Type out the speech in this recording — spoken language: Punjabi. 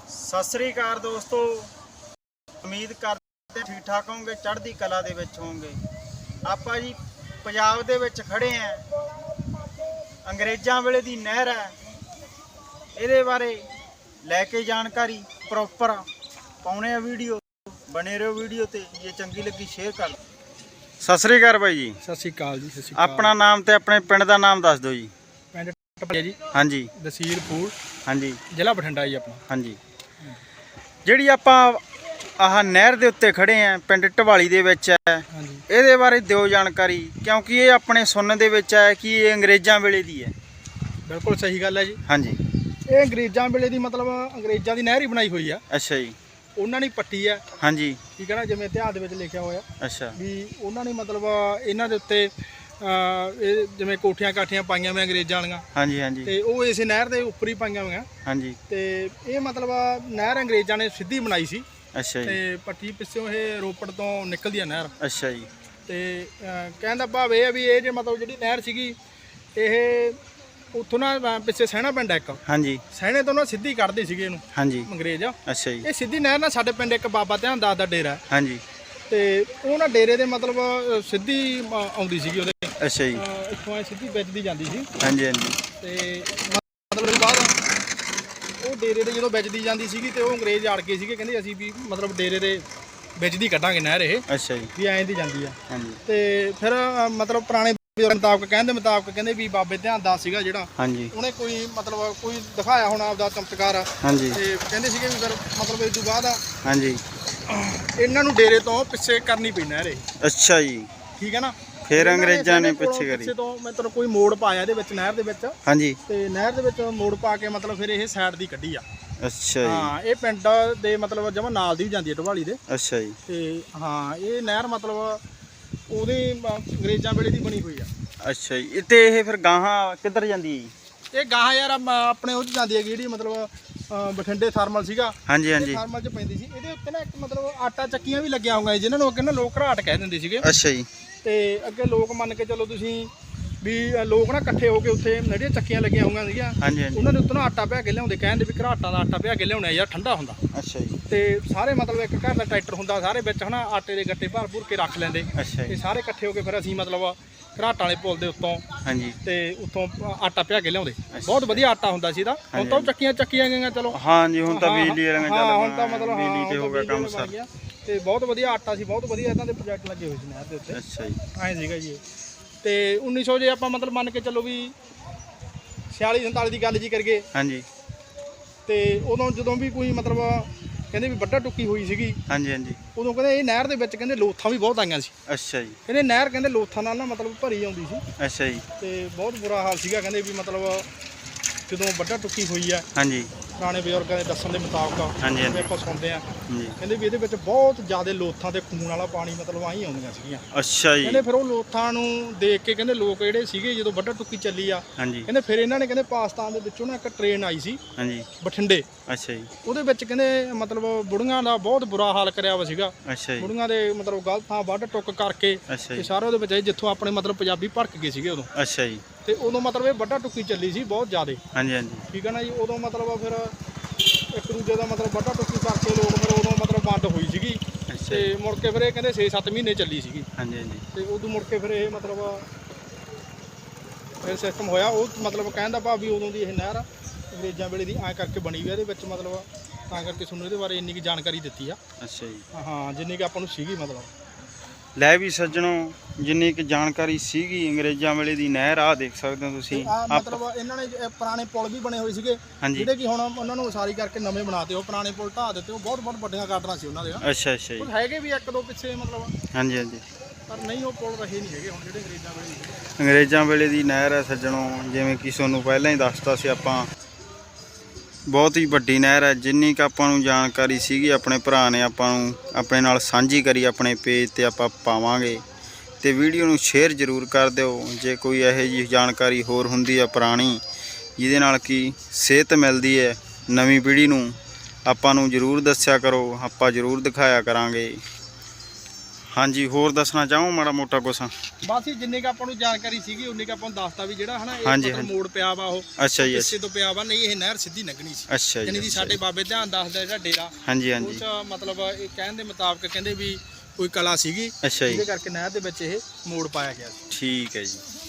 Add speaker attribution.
Speaker 1: ਸਤਿ ਸ੍ਰੀ ਅਕਾਲ ਦੋਸਤੋ, ਉਮੀਦ ਕਰਦੇ ਠੀਕ ਠਾਕ ਹੋਵੋਗੇ, ਚੜ੍ਹਦੀ ਕਲਾ ਦੇ ਵਿੱਚ ਹੋਵੋਗੇ। ਆਪਾਂ ਜੀ ਪੰਜਾਬ ਦੇ ਵਿੱਚ ਖੜੇ ਆਂ, ਅੰਗਰੇਜ਼ਾਂ ਵੇਲੇ ਦੀ ਨਹਿਰ ਹੈ। ਇਹਦੇ ਬਾਰੇ ਲੈ ਕੇ ਜਾਣਕਾਰੀ ਪ੍ਰੋਪਰ ਪਾਉਣੇ ਆ ਵੀਡੀਓ, ਬਣੇ ਰਹੋ ਵੀਡੀਓ ਤੇ। ਜੇ ਚੰਗੀ ਲੱਗੀ ਸ਼ੇਅਰ ਕਰ ਦਿਓ। ਸਤਿ ਸ੍ਰੀ ਅਕਾਲ ਬਾਈ ਜੀ।
Speaker 2: ਸਤਿ ਸ਼੍ਰੀ ਅਕਾਲ ਜੀ। ਸਤਿ ਸ਼੍ਰੀ ਅਕਾਲ।
Speaker 1: ਆਪਣਾ ਨਾਮ ਤੇ ਆਪਣੇ ਪਿੰਡ ਦਾ ਨਾਮ ਦੱਸ ਦਿਓ ਜੀ।
Speaker 2: ਪਿੰਡ ਟਪਲਿਆ ਜੀ।
Speaker 1: ਹਾਂਜੀ।
Speaker 2: ਤਹਿਸੀਲ ਫੂਲ,
Speaker 1: ਹਾਂਜੀ।
Speaker 2: ਜ਼ਿਲ੍ਹਾ ਬਠਿੰਡਾ ਜੀ ਆਪਣਾ।
Speaker 1: ਹਾਂਜੀ। ਜਿਹੜੀ ਆਪਾਂ ਆਹ ਨਹਿਰ ਦੇ ਉੱਤੇ ਖੜੇ ਆਂ, ਪਿੰਡ ਢਵਾਲੀ ਦੇ ਵਿੱਚ ਹੈ।
Speaker 2: ਹਾਂਜੀ।
Speaker 1: ਇਹਦੇ ਬਾਰੇ ਦਿਓ ਜਾਣਕਾਰੀ, ਕਿਉਂਕਿ ਇਹ ਆਪਣੇ ਸੁਣਨ ਦੇ ਵਿੱਚ ਹੈ ਕਿ ਇਹ ਅੰਗਰੇਜ਼ਾਂ ਵੇਲੇ ਦੀ ਹੈ।
Speaker 2: ਬਿਲਕੁਲ ਸਹੀ ਗੱਲ ਹੈ ਜੀ।
Speaker 1: ਹਾਂਜੀ।
Speaker 2: ਇਹ ਅੰਗਰੇਜ਼ਾਂ ਵੇਲੇ ਦੀ, ਮਤਲਬ ਅੰਗਰੇਜ਼ਾਂ ਦੀ ਨਹਿਰ ਹੀ ਬਣਾਈ ਹੋਈ ਆ।
Speaker 1: ਅੱਛਾ ਜੀ।
Speaker 2: ਉਹਨਾਂ ਨੇ ਪੱਟੀ ਆ।
Speaker 1: ਹਾਂਜੀ।
Speaker 2: ਠੀਕ ਹੈ ਨਾ, ਜਿਵੇਂ ਇਤਿਹਾਸ ਦੇ ਵਿੱਚ ਲਿਖਿਆ ਹੋਇਆ।
Speaker 1: ਅੱਛਾ।
Speaker 2: ਵੀ ਉਹਨਾਂ ਨੇ ਮਤਲਬ ਇਹਨਾਂ ਦੇ ਉੱਤੇ ਇਹ ਜਿਵੇਂ ਕੋਠੀਆਂ ਕਾਠੀਆਂ ਪਾਈਆਂ ਹੋਈਆਂ ਅੰਗਰੇਜ਼ਾਂ ਵਾਲੀਆਂ।
Speaker 1: ਹਾਂਜੀ ਹਾਂਜੀ।
Speaker 2: ਤੇ ਉਹ ਇਸੇ ਨਹਿਰ ਦੇ ਉੱਪਰ ਹੀ ਪਾਈਆਂ ਹੋਈਆਂ।
Speaker 1: ਹਾਂਜੀ।
Speaker 2: ਤੇ ਇਹ ਮਤਲਬ ਨਹਿਰ ਅੰਗਰੇਜ਼ਾਂ ਨੇ ਸਿੱਧੀ ਬਣਾਈ ਸੀ।
Speaker 1: ਅੱਛਾ ਜੀ।
Speaker 2: ਤੇ ਪੱਟੀ ਪਿੱਛੋਂ ਇਹ ਰੋਪੜ ਤੋਂ ਨਿਕਲਦੀ ਆ ਨਹਿਰ।
Speaker 1: ਅੱਛਾ ਜੀ।
Speaker 2: ਤੇ ਕਹਿਣ ਦਾ ਭਾਵ ਇਹ ਆ ਵੀ ਇਹ ਜੇ ਮਤਲਬ ਜਿਹੜੀ ਨਹਿਰ ਸੀਗੀ, ਇਹ ਉੱਥੋਂ ਨਾ ਪਿੱਛੇ ਸਹਿਣਾ ਪਿੰਡ ਇੱਕ।
Speaker 1: ਹਾਂਜੀ।
Speaker 2: ਸਹਿਣੇ ਤੋਂ ਨਾ ਸਿੱਧੀ ਕੱਢਦੇ ਸੀਗੇ ਇਹਨੂੰ।
Speaker 1: ਹਾਂਜੀ।
Speaker 2: ਅੰਗਰੇਜ਼।
Speaker 1: ਅੱਛਾ ਜੀ।
Speaker 2: ਇਹ ਸਿੱਧੀ ਨਹਿਰ ਨਾਲ ਸਾਡੇ ਪਿੰਡ ਇੱਕ ਬਾਬਾ ਧਿਆਨ ਦਾਸ ਦਾ ਡੇਰਾ।
Speaker 1: ਹਾਂਜੀ।
Speaker 2: ਤੇ ਉਹ ਨਾ ਡੇਰੇ ਦੇ ਮਤਲਬ ਸਿੱਧੀ ਆਉਂਦੀ ਸੀਗੀ ਉਹਦੇ।
Speaker 1: ਅੱਛਾ ਜੀ।
Speaker 2: ਇੱਥੋਂ ਐ ਸਿੱਧੀ ਵੱਜਦੀ ਜਾਂਦੀ ਸੀ।
Speaker 1: ਹਾਂਜੀ ਹਾਂਜੀ।
Speaker 2: ਤੇ ਮਤਲਬ ਬਾਅਦ ਉਹ ਡੇਰੇ ਦੇ ਜਦੋਂ ਵੱਜਦੀ ਜਾਂਦੀ ਸੀਗੀ ਤੇ ਉਹ ਅੰਗਰੇਜ਼ ਅੜ ਗਏ ਸੀਗੇ, ਕਹਿੰਦੇ ਅਸੀਂ ਵੀ ਮਤਲਬ ਡੇਰੇ ਦੇ ਵਿੱਚ ਦੀ ਕੱਢਾਂਗੇ ਨਹਿਰ ਇਹ।
Speaker 1: ਅੱਛਾ ਜੀ।
Speaker 2: ਵੀ ਐਂ ਦੀ ਜਾਂਦੀ ਆ।
Speaker 1: ਹਾਂਜੀ।
Speaker 2: ਤੇ ਫਿਰ ਮਤਲਬ ਪੁਰਾਣੇ ਮੁਤਾਬਕ ਕਹਿੰਦੇ ਵੀ ਬਾਬੇ ਧਿਆਨ ਦਾਸ ਸੀਗਾ ਜਿਹੜਾ,
Speaker 1: ਹਾਂਜੀ,
Speaker 2: ਉਹਨੇ ਕੋਈ ਮਤਲਬ ਕੋਈ ਦਿਖਾਇਆ ਹੋਣਾ ਆਪਦਾ ਚਮਤਕਾਰ।
Speaker 1: ਹਾਂਜੀ।
Speaker 2: ਤੇ ਕਹਿੰਦੇ ਸੀਗੇ ਵੀ ਫਿਰ ਮਤਲਬ ਇਸ ਤੋਂ ਬਾਅਦ
Speaker 1: ਹਾਂਜੀ
Speaker 2: ਇਹਨਾਂ ਨੂੰ ਡੇਰੇ ਤੋਂ ਪਿੱਛੇ ਕਰਨੀ ਪਈ ਨਹਿਰ ਇਹ।
Speaker 1: ਅੱਛਾ ਜੀ।
Speaker 2: ਠੀਕ ਹੈ ਨਾ।
Speaker 1: ਫਿਰ ਅੰਗਰੇਜ਼ਾਂ ਨੇ ਪਿੱਛੇ ਕਰੀ।
Speaker 2: ਪਿੱਛੇ ਤੋਂ ਮਤਲਬ ਕੋਈ ਮੋੜ ਪਾਇਆ ਇਹਦੇ ਵਿੱਚ, ਨਹਿਰ ਦੇ ਵਿੱਚ।
Speaker 1: ਹਾਂਜੀ।
Speaker 2: ਤੇ ਨਹਿਰ ਦੇ ਵਿੱਚ ਮੋੜ ਪਾ ਕੇ ਮਤਲਬ ਫਿਰ ਇਹ ਸਾਈਡ ਦੀ ਕੱਢੀ ਆ।
Speaker 1: ਅੱਛਾ ਜੀ।
Speaker 2: ਹਾਂ, ਇਹ ਪਿੰਡ ਦੇ ਮਤਲਬ ਜਮਾ ਨਾਲ ਦੀ ਵੀ ਜਾਂਦੀ ਹੈ ਢਵਾਲੀ ਦੇ।
Speaker 1: ਅੱਛਾ ਜੀ।
Speaker 2: ਤੇ ਹਾਂ, ਇਹ ਨਹਿਰ ਮਤਲਬ ਉਹਦੇ ਅੰਗਰੇਜ਼ਾਂ ਵੇਲੇ ਦੀ ਬਣੀ ਹੋਈ ਆ।
Speaker 1: ਅੱਛਾ ਜੀ। ਤੇ ਇਹ ਫਿਰ ਗਾਹਾਂ ਕਿੱਧਰ ਜਾਂਦੀ ਹੈ ਜੀ?
Speaker 2: ਇਹ ਗਾਹਾਂ ਯਾਰ ਆਪਣੇ ਉਹ 'ਚ ਜਾਂਦੀ ਹੈਗੀ ਜਿਹੜੀ ਮਤਲਬ ਬਠਿੰਡੇ ਥਰਮਲ ਸੀਗਾ।
Speaker 1: ਹਾਂਜੀ ਹਾਂਜੀ।
Speaker 2: ਥਰਮਲ 'ਚ ਪੈਂਦੀ ਸੀ। ਇਹਦੇ ਉੱਤੇ ਨਾ ਇੱਕ ਮਤਲਬ ਆਟਾ ਚੱਕੀਆਂ ਵੀ ਲੱਗੀਆਂ ਹੋਈਆਂ ਜਿਨ੍ਹਾਂ ਨੂੰ ਅੱਗੇ ਨਾ ਲੋਕ ਘਰਾਟ ਕਹਿ ਦਿੰਦੇ ਸੀਗੇ।
Speaker 1: ਅੱਛਾ ਜੀ।
Speaker 2: ਤੇ ਅੱਗੇ ਲੋਕ ਮੰਨ ਕੇ ਚੱਲੋ ਤੁਸੀਂ ਵੀ ਲੋਕ ਨਾ ਇਕੱਠੇ ਹੋ ਕੇ ਉੱਥੇ ਜਿਹੜੀਆਂ ਚੱਕੀਆਂ ਲੱਗੀਆਂ ਹੋਈਆਂ ਸੀਗੀਆਂ,
Speaker 1: ਹਾਂਜੀ ਹਾਂਜੀ,
Speaker 2: ਉਹਨਾਂ ਦੇ ਉੱਤੇ ਨਾ ਆਟਾ ਪਿਆ ਕੇ ਲਿਆਉਂਦੇ, ਕਹਿੰਦੇ ਵੀ ਘਰਾਟਾਂ ਦਾ ਆਟਾ ਪਿਆ ਕੇ ਲਿਆਉਣਾ ਯਾਰ, ਠੰਡਾ ਹੁੰਦਾ।
Speaker 1: ਅੱਛਾ ਜੀ।
Speaker 2: ਤੇ ਸਾਰੇ ਮਤਲਬ ਇੱਕ ਘਰ ਦਾ ਟਰੈਕਟਰ ਹੁੰਦਾ, ਸਾਰੇ ਵਿੱਚ ਹਨਾ ਆਟੇ ਦੇ ਗੱਟੇ ਭਰ ਭੁਰ ਕੇ ਰੱਖ ਲੈਂਦੇ।
Speaker 1: ਅੱਛਾ
Speaker 2: ਤੇ
Speaker 1: ਜੀ।
Speaker 2: ਸਾਰੇ ਇਕੱਠੇ ਹੋ ਕੇ ਫਿਰ ਅਸੀਂ ਮਤਲਬ ਘਰਾਟਾਂ ਵਾਲੇ ਪੁਲ ਦੇ ਉੱਤੋਂ,
Speaker 1: ਹਾਂਜੀ,
Speaker 2: ਤੇ ਉੱਥੋਂ ਆਟਾ ਪਿਆ ਕੇ ਲਿਆਉਂਦੇ। ਬਹੁਤ ਵਧੀਆ ਆਟਾ ਹੁੰਦਾ ਸੀ ਇਹਦਾ। ਹੁਣ ਤਾਂ ਚੱਕੀਆਂ ਗਈਆਂ ਚਲੋ।
Speaker 1: ਹਾਂਜੀ, ਹੁਣ ਤਾਂ ਬਿਜਲੀ ਵਾਲੀਆਂ
Speaker 2: ਹਾਂ, ਹੁਣ ਤਾਂ ਮਤਲਬ
Speaker 1: ਬਿਜਲੀ ਤੇ ਹੋ ਗਿਆ ਕੰਮ ਸਰ।
Speaker 2: ਤੇ ਬਹੁਤ ਵਧੀਆ ਆਟਾ ਸੀ, ਬਹੁਤ ਵਧੀਆ ਇਹਨਾਂ ਦੇ ਪ੍ਰੋਜੈਕਟ ਲੱਗੇ ਹੋਏ ਸੀ ਨਹਿਰ ਦੇ ਉੱਤੇ।
Speaker 1: ਅੱਛਾ ਜੀ।
Speaker 2: ਐਂ ਸੀਗਾ ਜੀ। ਤੇ 1900 ਜੇ ਆਪਾਂ ਮਤਲਬ ਮੰਨ ਕੇ ਚੱਲੋ ਵੀ 46-47 ਦੀ ਗੱਲ ਜੀ ਕਰੀਏ।
Speaker 1: ਹਾਂਜੀ।
Speaker 2: ਤੇ ਉਦੋਂ ਜਦੋਂ ਵੀ ਕੋਈ ਮਤਲਬ ਕਹਿੰਦੇ ਵੀ ਵੱਡਾ ਟੁੱਕੀ ਹੋਈ ਸੀਗੀ,
Speaker 1: ਹਾਂਜੀ ਹਾਂਜੀ।
Speaker 2: ਉਦੋਂ ਕਹਿੰਦੇ ਇਹ ਨਹਿਰ ਦੇ ਵਿੱਚ ਕਹਿੰਦੇ ਲੋਥਾਂ ਵੀ ਬਹੁਤ ਆਈਆਂ ਸੀ।
Speaker 1: ਅੱਛਾ ਜੀ।
Speaker 2: ਕਹਿੰਦੇ ਨਹਿਰ ਕਹਿੰਦੇ ਲੋਥਾਂ ਨਾਲ ਨਾ ਮਤਲਬ ਭਰੀ ਆਉਂਦੀ ਸੀ।
Speaker 1: ਅੱਛਾ ਜੀ।
Speaker 2: ਤੇ ਬਹੁਤ ਬੁਰਾ ਹਾਲ ਸੀਗਾ, ਕਹਿੰਦੇ ਵੀ ਮਤਲਬ ਜਦੋਂ ਵੱਡਾ ਟੁੱਕੀ ਹੋਈ ਆ।
Speaker 1: ਹਾਂਜੀ।
Speaker 2: ਪੁਰਾਣੇ ਬਜ਼ੁਰਗਾਂ ਦੇ ਦੱਸਣ ਦੇ ਮੁਤਾਬਕ
Speaker 1: ਹਾਂਜੀ ਹਾਂਜੀ,
Speaker 2: ਆਪਾਂ ਸੁਣਦੇ ਆ,
Speaker 1: ਹਾਂਜੀ।
Speaker 2: ਕਹਿੰਦੇ ਵੀ ਇਹਦੇ ਵਿੱਚ ਬਹੁਤ ਜ਼ਿਆਦਾ ਲੋਥਾਂ ਤੇ ਖੂਨ ਵਾਲਾ ਪਾਣੀ ਮਤਲਬ ਆਈ ਆਉਂਦੀਆਂ ਸੀਗੀਆਂ।
Speaker 1: ਅੱਛਾ ਜੀ।
Speaker 2: ਕਹਿੰਦੇ ਫਿਰ ਉਹ ਲੋਥਾਂ ਨੂੰ ਦੇਖ ਕੇ ਕਹਿੰਦੇ ਲੋਕ ਜਿਹੜੇ ਸੀਗੇ, ਜਦੋਂ ਵੱਡਾ ਟੁੱਕੀ ਚੱਲੀ ਆ,
Speaker 1: ਹਾਂਜੀ,
Speaker 2: ਕਹਿੰਦੇ ਫਿਰ ਇਹਨਾਂ ਨੇ ਕਹਿੰਦੇ ਪਾਕਿਸਤਾਨ ਦੇ ਵਿੱਚੋਂ ਨਾ ਇੱਕ ਟ੍ਰੇਨ ਆਈ ਸੀ।
Speaker 1: ਹਾਂਜੀ।
Speaker 2: ਬਠਿੰਡੇ।
Speaker 1: ਅੱਛਾ ਜੀ।
Speaker 2: ਉਹਦੇ ਵਿੱਚ ਕਹਿੰਦੇ ਮਤਲਬ ਬੁੜੀਆਂ ਦਾ ਬਹੁਤ ਬੁਰਾ ਹਾਲ ਕਰਿਆ ਵਾ ਸੀਗਾ।
Speaker 1: ਅੱਛਾ ਜੀ।
Speaker 2: ਬੁੜੀਆਂ ਦੇ ਮਤਲਬ ਗਲਤ ਥਾਂ ਵੱਢ ਟੁੱਕ ਕਰਕੇ
Speaker 1: ਅੱਛਾ
Speaker 2: ਤੇ
Speaker 1: ਜੀ।
Speaker 2: ਸਾਰੇ ਉਹਦੇ ਵਿੱਚ ਜਿੱਥੋਂ ਆਪਣੇ ਮਤਲਬ ਪੰਜਾਬੀ ਭੜਕ ਗਏ ਸੀਗੇ ਉਦੋਂ।
Speaker 1: ਅੱਛਾ ਜੀ।
Speaker 2: ਤੇ ਉਦੋਂ ਮਤਲਬ ਇਹ ਵੱਡਾ ਟੁੱਕੀ ਚੱਲੀ ਸੀ ਬਹੁਤ ਜ਼ਿਆਦਾ।
Speaker 1: ਹਾਂਜੀ ਹਾਂਜੀ।
Speaker 2: ਠੀਕ ਹੈ ਨਾ ਜੀ। ਉਦੋਂ ਮਤਲਬ ਫਿਰ ਇੱਕ ਦੂਜੇ ਦਾ ਮਤਲਬ ਵੱਡਾ ਟੁੱਕੀ ਕਰਕੇ ਲੋਕ ਫਿਰ ਉਦੋਂ ਮਤਲਬ ਵੰਡ ਹੋਈ ਸੀਗੀ। ਤੇ ਮੁੜ ਕੇ ਫਿਰ ਇਹ ਕਹਿੰਦੇ 6-7 ਮਹੀਨੇ ਚੱਲੀ ਸੀਗੀ।
Speaker 1: ਹਾਂਜੀ ਹਾਂਜੀ।
Speaker 2: ਤੇ ਉਦੋਂ ਮੁੜ ਕੇ ਫਿਰ ਇਹ ਮਤਲਬ ਫਿਰ ਸਿਸਟਮ ਹੋਇਆ। ਉਹ ਮਤਲਬ ਕਹਿਣ ਦਾ ਭਾਵ ਵੀ ਉਦੋਂ ਦੀ ਇਹ ਨਹਿਰ ਅੰਗਰੇਜ਼ਾਂ ਵੇਲੇ ਦੀ ਐਂ ਕਰਕੇ ਬਣੀ ਹੋਈ। ਇਹਦੇ ਵਿੱਚ ਮਤਲਬ ਤਾਂ ਕਰਕੇ ਤੁਹਾਨੂੰ ਇਹਦੇ ਬਾਰੇ ਇੰਨੀ ਕੁ ਜਾਣਕਾਰੀ ਦਿੱਤੀ ਆ।
Speaker 1: ਅੱਛਾ ਜੀ।
Speaker 2: ਹਾਂ, ਜਿੰਨੀ ਕਿ ਆਪਾਂ ਨੂੰ ਸੀਗੀ ਮਤਲਬ।
Speaker 1: ਲੈ ਵੀ ਸੱਜਣੋ, ਜਿੰਨੀ ਕਿ ਜਾਣਕਾਰੀ ਸੀਗੀ ਅੰਗਰੇਜ਼ਾਂ ਵੇਲੇ ਦੀ ਨਹਿਰ, ਆ ਦੇਖ ਸਕਦੇ ਹੋ ਤੁਸੀਂ।
Speaker 2: ਮਤਲਬ ਇਹਨਾਂ ਨੇ ਪੁਰਾਣੇ ਪੁਲ ਵੀ ਬਣੇ ਹੋਏ ਸੀਗੇ, ਜਿਹੜੇ ਕਿ ਹੁਣ ਉਹਨਾਂ ਨੂੰ ਉਸਾਰੀ ਕਰਕੇ ਨਵੇਂ ਬਣਾਤੇ। ਉਹ ਪੁਰਾਣੇ ਪੁਲ ਢਾਹ ਦਿੱਤੇ। ਉਹ ਬਹੁਤ ਵੱਡੀਆਂ ਗਾਰਡਨਾਂ ਸੀ ਉਹਨਾਂ ਦੇ।
Speaker 1: ਅੱਛਾ ਅੱਛਾ ਜੀ।
Speaker 2: ਹੈਗੇ ਵੀ ਇੱਕ ਦੋ ਪਿੱਛੇ ਮਤਲਬ।
Speaker 1: ਹਾਂਜੀ ਹਾਂਜੀ।
Speaker 2: ਪਰ ਨਹੀਂ, ਉਹ ਪੁਲ ਰਹੇ ਨਹੀਂ ਹੈਗੇ ਹੁਣ ਜਿਹੜੇ ਅੰਗਰੇਜ਼ਾਂ ਵੇਲੇ ਸੀਗੇ।
Speaker 1: ਅੰਗਰੇਜ਼ਾਂ ਵੇਲੇ ਦੀ ਨਹਿਰ ਹੈ ਸੱਜਣੋ, ਜਿਵੇਂ ਕਿ ਤੁਹਾਨੂੰ ਪਹਿਲਾਂ ਹੀ ਦੱਸਤਾ ਸੀ ਆਪਾਂ। ਬਹੁਤ ਹੀ ਵੱਡੀ ਨਹਿਰ ਹੈ। ਜਿੰਨੀ ਕੁ ਆਪਾਂ ਨੂੰ ਜਾਣਕਾਰੀ ਸੀਗੀ ਆਪਣੇ ਭਰਾ ਨੇ ਆਪਾਂ ਨੂੰ ਆਪਣੇ ਨਾਲ ਸਾਂਝੀ ਕਰੀ, ਆਪਣੇ ਪੇਜ ਤੇ ਆਪਾਂ ਪਾਵਾਂਗੇ। ਤੇ ਵੀਡੀਓ ਨੂੰ ਸ਼ੇਅਰ ਜ਼ਰੂਰ ਕਰ ਦਿਓ। ਜੇ ਕੋਈ ਇਹੋ ਜਿਹੀ ਜਾਣਕਾਰੀ ਹੋਰ ਹੁੰਦੀ ਹੈ ਪੁਰਾਣੀ, ਜਿਹਦੇ ਨਾਲ ਕਿ ਸੇਧ ਮਿਲਦੀ ਹੈ ਨਵੀਂ ਪੀੜ੍ਹੀ ਨੂੰ, ਆਪਾਂ ਨੂੰ ਜ਼ਰੂਰ ਦੱਸਿਆ ਕਰੋ। ਆਪਾਂ ਜ਼ਰੂਰ ਦਿਖਾਇਆ ਕਰਾਂਗੇ। ਹਾਂਜੀ ਹੋਰ ਦੱਸਣਾ ਚਾਹੋ ਮਾੜਾ ਮੋਟਾ ਕੁਛ?
Speaker 2: ਬਸ ਹੀ ਜਿੰਨੇ ਕ ਆਪਾਂ ਨੂੰ ਜਾਣਕਾਰੀ ਸੀਗੀ ਉਨੇ ਕ ਆਪਾਂ ਨੂੰ ਦੱਸਤਾ ਵੀ ਜਿਹੜਾ ਹਨਾ ਇਹ
Speaker 1: ਹਾਂਜੀ,
Speaker 2: ਮਤਲਬ ਮੋੜ ਪਿਆ ਵਾ ਉਹ
Speaker 1: ਅੱਛਾ ਜੀ,
Speaker 2: ਹਿੱਸੇ ਤੋਂ ਪਿਆ ਵਾ, ਨਹੀਂ ਇਹ ਨਹਿਰ ਸਿੱਧੀ ਲੰਘਣੀ ਸੀ।
Speaker 1: ਅੱਛਾ
Speaker 2: ਜਾਣੀ
Speaker 1: ਜੀ,
Speaker 2: ਦੀ ਸਾਡੇ ਬਾਬੇ ਧਿਆਨ ਦੱਸਦਾ ਜਿਹੜਾ ਡੇਰਾ
Speaker 1: ਹਾਂਜੀ
Speaker 2: ਉਹ
Speaker 1: ਹਾਂਜੀ,
Speaker 2: ਚ ਮਤਲਬ ਇਹ ਕਹਿਣ ਦੇ ਮੁਤਾਬਕ ਕਹਿੰਦੇ ਵੀ ਕੋਈ ਕਲਾ ਸੀਗੀ
Speaker 1: ਅੱਛਾ ਜੀ,
Speaker 2: ਜਿਹਦੇ ਕਰਕੇ ਨਹਿਰ ਦੇ ਵਿੱਚ ਇਹ ਮੋੜ ਪਾਇਆ ਗਿਆ ਸੀ।
Speaker 1: ਠੀਕ ਹੈ ਜੀ।